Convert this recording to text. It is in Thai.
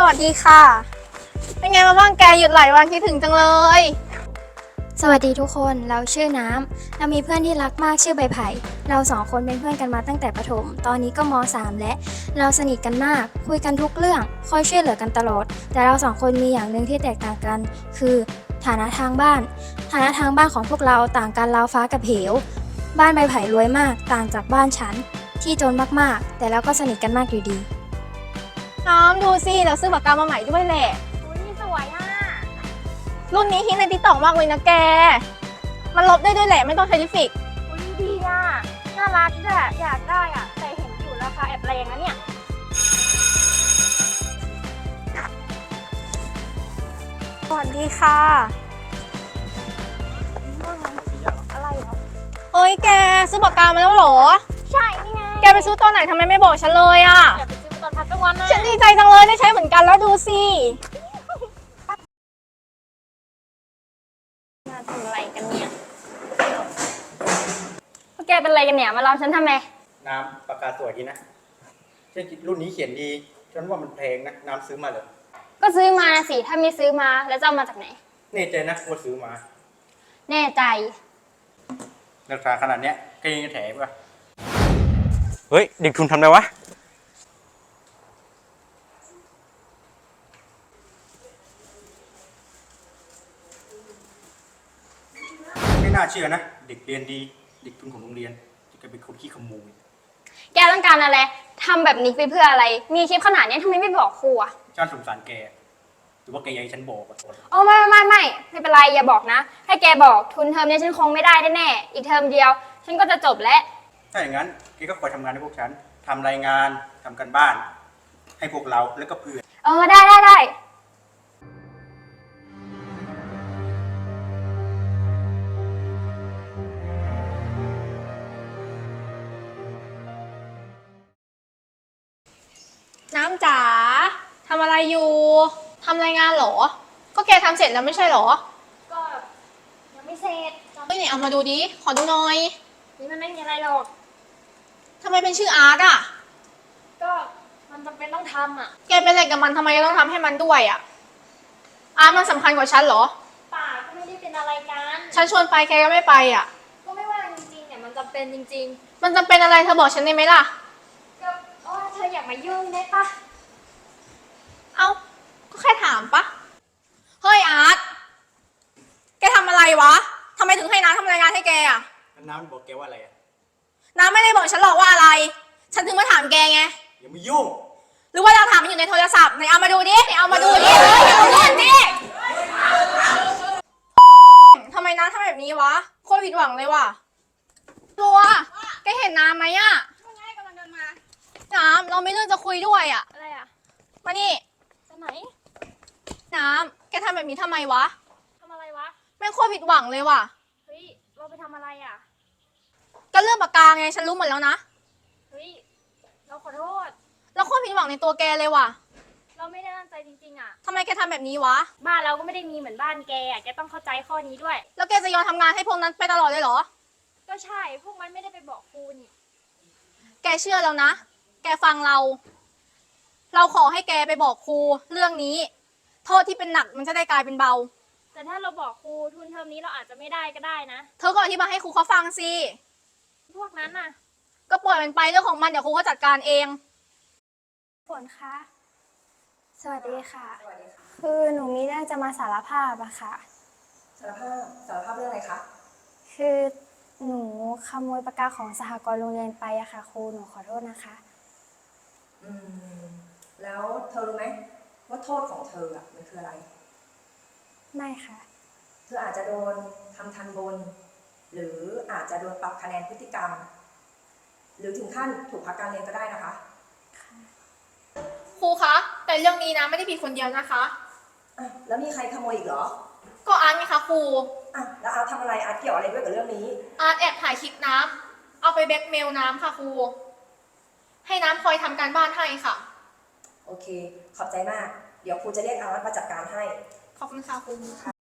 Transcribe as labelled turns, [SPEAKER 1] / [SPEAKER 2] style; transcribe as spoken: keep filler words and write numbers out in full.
[SPEAKER 1] วัสดีค่ะเป็นไงมาบ้างแกหยุดหลายวันคิดถึงจังเลย
[SPEAKER 2] สวัสดีทุกคนเราชื่อน้ำเรามีเพื่อนที่รักมากชื่อใบไผ่เราสองคนเป็นเพื่อนกันมาตั้งแต่ประถมตอนนี้ก็ม .สาม และเราสนิทกันมากคุยกันทุกเรื่องคอยช่วยเหลือกันตลอดแต่เราสองคนมีอย่างหนึ่งที่แตกต่างกันคือฐานะทางบ้านฐานะทางบ้านของพวกเราต่างกันราวฟ้ากับเหวบ้านใบไผ่รวยมากต่างจากบ้านฉันที่จนมากๆแต่เราก็สนิทกันมากอยู่ดี
[SPEAKER 1] น้ำดูสิเราซื้อปากกามาใหม่ด้วยแหละ
[SPEAKER 2] อุ้ยสวยอ่ะ
[SPEAKER 1] รุ่นนี้ฮิตในติ๊กต็อกมากเลยนะแกมันลบได้ด้วยแหละไม่ต้องใช้ลิปสติก
[SPEAKER 2] อุ้ยดีอ่ะน่ารักด้วยอยากได้อ่ะแต่เห็นอยู่ราคาแอบแรงนะเนี่ย
[SPEAKER 1] สวัสดีค่ะ
[SPEAKER 2] อะไรเหรอ
[SPEAKER 1] เฮ้ยแกซื้อปากกามาแล้วเหรอ
[SPEAKER 2] ใช่นี่ไง
[SPEAKER 1] แกไปซื้อตอนไหนทำไมไม่บอกฉันเลยอ่ะ
[SPEAKER 2] อยากไปซื้อตอนพักกลางวันนะ
[SPEAKER 1] ฉันดีใจจังเลยได้ใช้เหมือนกันแล้วดูสิ
[SPEAKER 2] มาทำอะไรกันเนี่ยพวกแกเป็นอะไรกันเนี่ยมาเล่าฉันทำไม
[SPEAKER 3] น้ำปากกาสวยดีนะเช่นรุ่นนี้เขียนดีฉันว่ามันแพงนะน้ำซื้อมาเลย
[SPEAKER 2] ก็ซื้อมาสิถ้าไม่ซื้อมาแล้วจะเอามาจากไหน
[SPEAKER 3] แน่ใจนะว่าซื้อมา
[SPEAKER 2] แน่ใจ
[SPEAKER 3] ราคาขนาดเนี้ยก็ยังจะแถมป่ะเฮ้ยเด็กทุนทำไรวะไม่น่าเชื่อนะเด็กเรียนดีเด็กทุนของโรงเรียนจะเป็นคนขี้ขโมย
[SPEAKER 2] แกต้องการอะไรทำแบบนี้ไปเพื่ออะไรมีคลิปขนาดนี้ทำไมไม่บอกครูอะ
[SPEAKER 3] ฉันสงสารแกหรือว่าแกอยากให้ฉันบอกอ่ะ
[SPEAKER 2] อ๋อไม่ไม่ไม่ไม่เป็นไรอย่าบอกนะให้แกบอกทุนเทอมนี้ฉันคงไม่ได้แน่ๆอีกเทอมเดียวฉันก็จะจบแล้ว
[SPEAKER 3] ถ้าอย่างนั้นแกก็คอยทำงานให้พวกฉันทำรายงานทำกันบ้านให้พวกเราแล้วก็เพื่อน
[SPEAKER 2] เออได้ได้ได้
[SPEAKER 1] น้ำจ๋าทำอะไรอยู่ทำรายงานเหรอก็แกทำเสร็จแล้วไม่ใช่เหรอ
[SPEAKER 2] ก็ยังไม่เสร็จ
[SPEAKER 1] เฮ้ยไหนเอามาดูดิขอดูหน่อย
[SPEAKER 2] นี่มันไม่มีอะไรหรอก
[SPEAKER 1] ทำไมเป็นชื่ออาร์ตอ่ะ
[SPEAKER 2] ก็มันจำเป็นต้องทำอ่ะ
[SPEAKER 1] แกเป็นอะไรกับมันทำไมต้องทำให้มันด้วยอ่ะอาร์ตมันสำคัญกว่าฉันเหรอ
[SPEAKER 2] ป่าก็ไม่ได้เป็นอะไรกัน
[SPEAKER 1] ฉันชวนไปแกก็ไม่ไปอ่ะ
[SPEAKER 2] ก็ไม่ว่าจริงๆเนี่ยมันจำเป็นจริง
[SPEAKER 1] ๆมันจำเป็นอะไรเธอบอกฉันได้ไหมล่ะ
[SPEAKER 2] ก็อ๋อเธออยากมายุ่งได้ปะ
[SPEAKER 1] เอ้าก็แค่ถามปะเฮ้ยอาร์ตแกทำอะไรวะทำไมถึงให้น้าทำรายงานให้แกอ่ะ
[SPEAKER 3] น้ำบอกแกว่าอะไรอ่ะ
[SPEAKER 1] น้าไม่ได้บอกฉันหรอกว่าอะไรฉันถึงมาถามแกไง
[SPEAKER 3] อย่ามายุ่ง
[SPEAKER 1] หรือว่าเราถามมันอยู่ในโทรศัพท์ไหนเอามาดูดิไหนเอามาดูดิเฮ้ยเอาเล่นดิทำไมน้าทำแบบนี้วะโคตรผิดหวังเลยว่ะตัวแกเห็นน้ำไหมอ่ะ
[SPEAKER 2] ไม่กำลังเดินมา
[SPEAKER 1] น้ำเราไม่เรื่องจะคุยด้วยอ่ะ
[SPEAKER 2] อะไรอ่ะ
[SPEAKER 1] มานี่
[SPEAKER 2] ไปไหน
[SPEAKER 1] น้ำแกทำแบบนี้ทำไมวะ
[SPEAKER 2] ทำอะไรวะ
[SPEAKER 1] แม่งโคตรผิดหวังเลยว่ะ
[SPEAKER 2] เฮ้ยเราไปทำอะไรอ่ะ
[SPEAKER 1] ก็เรื่องปากกาไงฉันรู้หมดแล้วนะ
[SPEAKER 2] เฮ้ยเราขอโทษ
[SPEAKER 1] เราโคตรผิดหวังในตัวแกเลยว่ะ
[SPEAKER 2] เราไม่ได้ตั้งใจจริงๆอ่ะ
[SPEAKER 1] ทำไมแกทำแบบนี้วะ
[SPEAKER 2] บ้านเราก็ไม่ได้มีเหมือนบ้านแกอ่ะแกต้องเข้าใจข้อนี้ด้วย
[SPEAKER 1] แล้วแกจะยอมทำงานให้พวกนั้นไปตลอดเลยเหรอ
[SPEAKER 2] ก็ใช่พวกมันไม่ได้ไปบอกครูนี่
[SPEAKER 1] แกเชื่อแล้วนะแกฟังเราเราขอให้แกไปบอกครูเรื่องนี้โทษที่เป็นหนักมันจะได้กลายเป็นเบา
[SPEAKER 2] แต่ถ้าเราบอกครูทุนเทอมนี้เราอาจจะไม่ได้ก็ได้นะ
[SPEAKER 1] เธอก็อธิบายให้ครูเขาฟังสิ
[SPEAKER 2] พวกนั้นน่ะ
[SPEAKER 1] ก็ปล่อยมันไปเรื่องของมันเดี๋ยวครูเขาจัดการเอง
[SPEAKER 2] ฝนคะสวัสดีค่ะคือหนูมีเรื่องจะมาสารภาพอะค่ะ
[SPEAKER 4] สารภาพสารภาพเรื่องอะไรคะ
[SPEAKER 2] คือหนูขโมยปากกาของสหกรณ์โรงเรียนไปอะค่ะครูหนูขอโทษนะคะ
[SPEAKER 4] อืมแล้วเธอรู้ไหมว่าโทษของเธออะมันคืออะไร
[SPEAKER 2] ไม่ค่ะ
[SPEAKER 4] เธออาจจะโดนทำทันบนหรืออาจจะโดนปรับคะแนนพฤติกรรมหรือถึงขั้นถูกพักการเรียนก็ได้นะคะ
[SPEAKER 1] ครูคะแต่เรื่องนี้นะไม่ได้ผิดคนเดียวนะคะ
[SPEAKER 4] อ่ะแล้วมีใครขโมยอีกเหรอ
[SPEAKER 1] ก็อาร์ตไงคะครู
[SPEAKER 4] อ่ะแล้วอาร์ตทำอะไรอาร์ตเกี่ยวอะไรด้วยกับเรื่องนี้
[SPEAKER 1] อาร์ตแอบถ่ายคลิปน้ำเอาไปแบล็กเมลน้ำค่ะครูให้น้ำคอยทำการบ้านให้ค่ะ
[SPEAKER 4] โอเคขอบใจมากเดี๋ยวครูจะเรียกอาร์ตมาจัดการให้
[SPEAKER 1] ขอบคุณค่ะครู